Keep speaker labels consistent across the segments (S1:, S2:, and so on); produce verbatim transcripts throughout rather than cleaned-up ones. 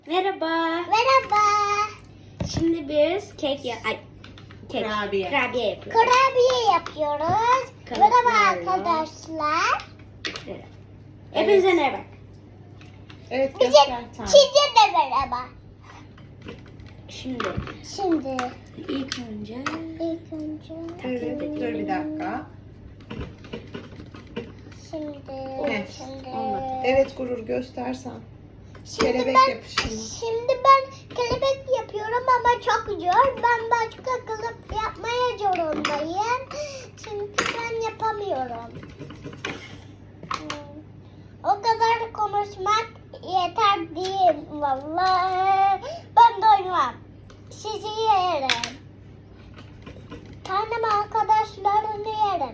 S1: Merhaba.
S2: Merhaba.
S1: Şimdi biz kek ya ay kek
S3: Kurabiye.
S1: kurabiye yapıyoruz.
S2: Kurabiye yapıyoruz.
S1: Kalıplarla.
S2: Merhaba arkadaşlar.
S1: Evet. Hepinize merhaba.
S3: Evet
S2: Bize
S3: göster tamam.
S2: size de merhaba.
S1: Şimdi
S2: Şimdi
S1: ilk önce
S2: ilk önce
S3: Evet dur bir dakika.
S2: şimdi
S3: Evet,
S2: şimdi
S1: olmadı.
S3: Evet Gurur göstersen.
S2: Şimdi
S3: kelebek
S2: ben,
S3: yapışımı.
S2: Şimdi ben kelebek yapıyorum ama çok zor. Ben başka kılıp yapmaya zorundayım. Çünkü ben yapamıyorum. Hmm. O kadar konuşmak yeter değil vallahi. Ben doymam. Sizi yerim. Tanrım arkadaşlarını yerim.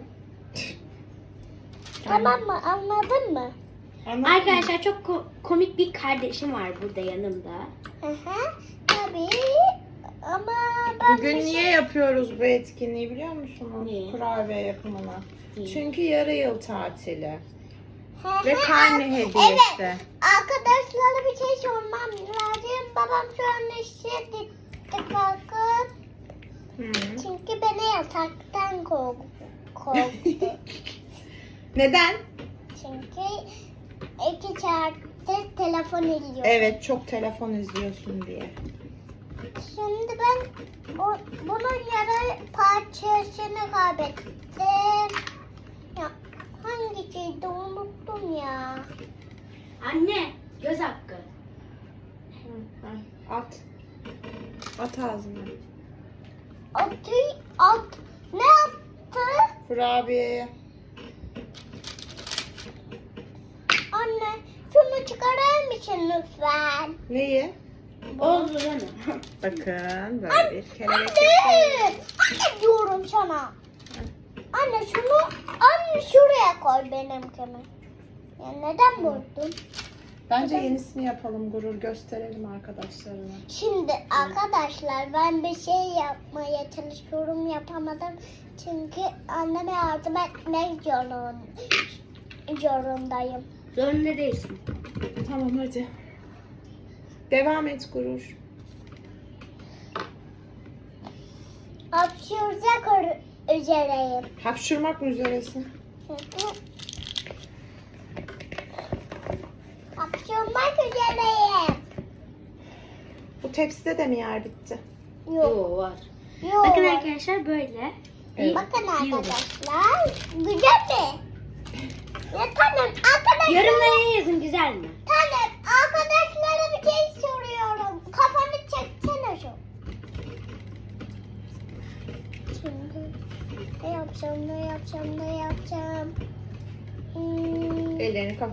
S2: Tamam mı? Anladın mı?
S3: Anladın mı?
S1: arkadaşlar çok ko- komik bir kardeşim var burada yanımda.
S2: Hı hı. Tabii. Ama ben
S3: Bugün
S2: bir
S3: niye
S2: şey-
S3: yapıyoruz bu etkinliği biliyor musunuz?
S1: Niye?
S3: Kurabiye yapımını.
S1: Niye?
S3: Çünkü yarı yıl tatili.
S2: Hı
S3: Ve
S2: hı.
S3: karne
S2: Evet.
S3: hediyesi.
S2: Arkadaşlara bir şey sormam lazım. Babam şu an işe gitti kalkıp.
S3: Hı.
S2: Çünkü beni yataktan korktu. korktu.
S3: Neden?
S2: Çünkü iki saattir telefon izliyor.
S3: Evet çok telefon izliyorsun diye.
S2: Şimdi ben o, bunun yarı parçasını kaybettim. Ya hangisiydi unuttum ya.
S1: Anne göz hakkı.
S3: Hı, hı. At. At ağzına.
S2: Atı at. Ne yaptı?
S3: Kurabiyeye.
S2: Anne şunu çıkarır mısın lütfen?
S3: Neyi?
S1: Oldu değil mi?
S3: Bakın böyle bir kelebek
S2: Anne!
S3: yapıyoruz.
S2: Anne diyorum sana. Anne şunu anne şuraya koy benimkini. Ya neden vurdun?
S3: Bence yenisini yapalım Gurur gösterelim arkadaşlarına.
S2: Şimdi arkadaşlar ben bir şey yapmaya çalışıyorum yapamadım. Çünkü anneme yardım etmek zorun- zorundayım.
S1: Zorunda değilsin.
S3: Tamam hadi. Devam et Gurur.
S2: Hapşıracak ür- üzereyim.
S3: Hapşırmak mı üzeresin?
S2: Hı hı. Hapşırmak üzereyim.
S3: Bu tepside de mi yer bitti?
S2: Yok.
S1: Yo var.
S2: Yok.
S1: Bakın arkadaşlar böyle.
S3: Evet.
S2: Bakın
S1: Yiyorum.
S2: arkadaşlar. Güzel mi? Ya tamam arkadaşlar.
S1: Yorumlara yazın güzel mi?
S2: Tamam arkadaşlara bir şey soruyorum. Kafanı çeksene şu. Şimdi ne yapacağım ne yapacağım ne yapacağım. Hmm,
S3: Ellerini kafa